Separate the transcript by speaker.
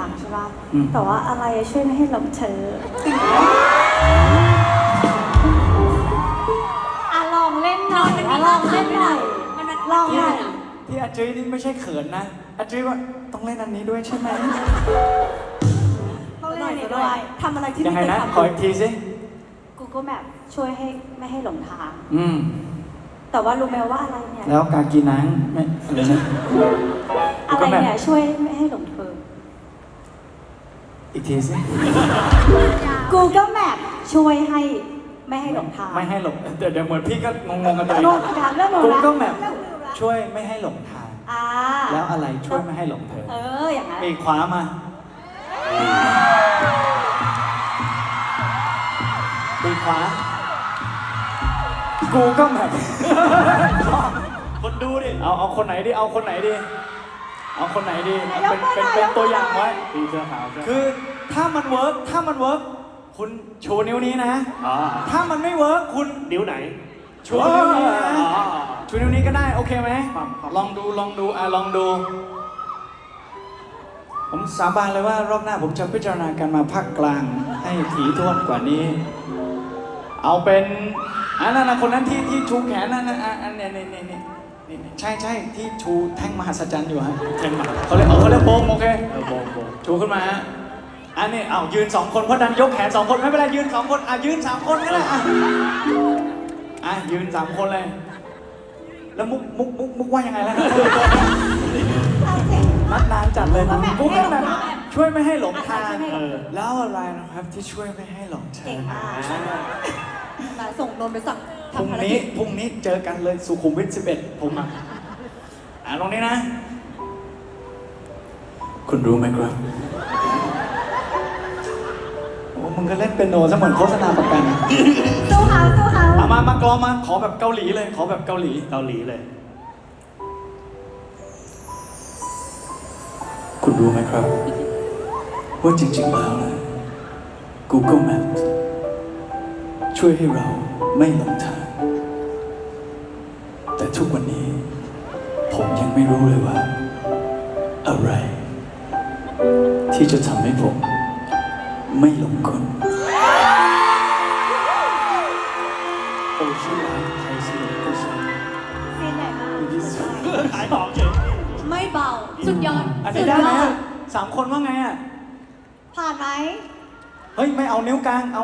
Speaker 1: างใช่ป่ะแต่ว่าอะไรช่วยไม่ให้หลงเธอลองเล่นหน่อยลองเล่นหน่อยลองหน่อย
Speaker 2: ที่อาจุ้ยนี่ไม่ใช่เขินนะอาจุ้ยว่าต้องเล่นอันนี้ด้วยใช่ไหม
Speaker 1: ต้องเล่นอันนี้ด้วยทำอะไรที่
Speaker 2: ยังไงนะขออีกทีสิ
Speaker 1: Google Map ช่วยให้ไม่ให้หลงทาง
Speaker 2: แต่
Speaker 1: ว่ารู้ไหมว่าอะไรเนี่ย
Speaker 2: แล้วกากีนังไม่อะไรนะ
Speaker 1: อะไรเนี่ยช่วยไม่ให้หลงเธอ
Speaker 2: อีกทีสิ
Speaker 1: Google Map ช่วยให้ไม่ให้หลงทาง
Speaker 2: ไม่ให้หลงเดี๋ยวเหมือนพี่ก็งงกันไป
Speaker 1: เรื่อง
Speaker 2: Google Map ช่วยไม่ให้หลงทางแล้วอะไรช่วยไม่ให้หลงเธอ
Speaker 1: อย่างนั้น
Speaker 2: ปีกขวามาปีกขวา Google Map
Speaker 3: คนดูดิ
Speaker 2: เอาคนไหนดีเอาคนไหนดีเป็นตัวอย่างไว้
Speaker 3: ดีเสื้อขาว
Speaker 2: คือถ้ามันเวิร์กคุณชูนิ้วนี้นะถ้ามันไม่เวิร์กคุณ
Speaker 3: นิ้วไหน
Speaker 2: ชูนิ้วนี้นะชูนิ้วนี้ก็ได้โอเคไหมลองดูลองดูผมสาบานเลยว่ารอบหน้าผมจะพิจารณาการมาภาคกลางให้ถี่ถ้วนกว่านี้เอาเป็นนั่นนะคนนั้นที่ชูแขนนั่นนี่ใช่ที่ชูแท่งมหัศจรรย์อยู่ฮะ
Speaker 3: แท่งมหัศจรรย์
Speaker 2: เขาเรียกโบมโอเค
Speaker 3: โบม
Speaker 2: ชูขึ้นมาอันนี้ยืน2คนเพราะดันยกแขน2คนไม่เป็นไรยืน2คนยืน3คนก็ได้ยืน3คนเลยแล้วมุกว่ายังไงแล้วนัดนานจัดเลยมุกแบบช่วยไม่ให้หลงทางแล้วอะไรนะครับที่ช่วยไม่ให้หลงทาง
Speaker 1: ส่งนนไปสั่ง
Speaker 2: พรุ่งนี้เจอกันเลยสุขุมวิท11ผมตรงนี้นะคุณรู้ไหมครับโอ้มึงก็เล่นเป็นโนซะเหมือนโฆษณาประกัน
Speaker 1: สู้เขา
Speaker 2: มากลองมาขอแบบเกาหลีเลยขอแบบเกาหลี
Speaker 3: เลย
Speaker 2: คุณรู้ไหมครับว่าจริงๆแล้วนะ Google Maps ช่วยให้เราไม่หลงทางแต่ทุกวันนี้ผมยังไม่รู้เลยว่าอะไรที่จะทำให้ผมไม่หลงคนโอ้ชื่อร้านไทยซีนก็ใช่
Speaker 1: ซีนไหนมา
Speaker 3: ขายของเฉย
Speaker 1: ไม่เบาสุดยอด
Speaker 2: อันนี้ได้ไหม3 คนว่าไง
Speaker 1: ผ่านไหม
Speaker 2: เฮ้ยไม่เอานิ้วกลางเอา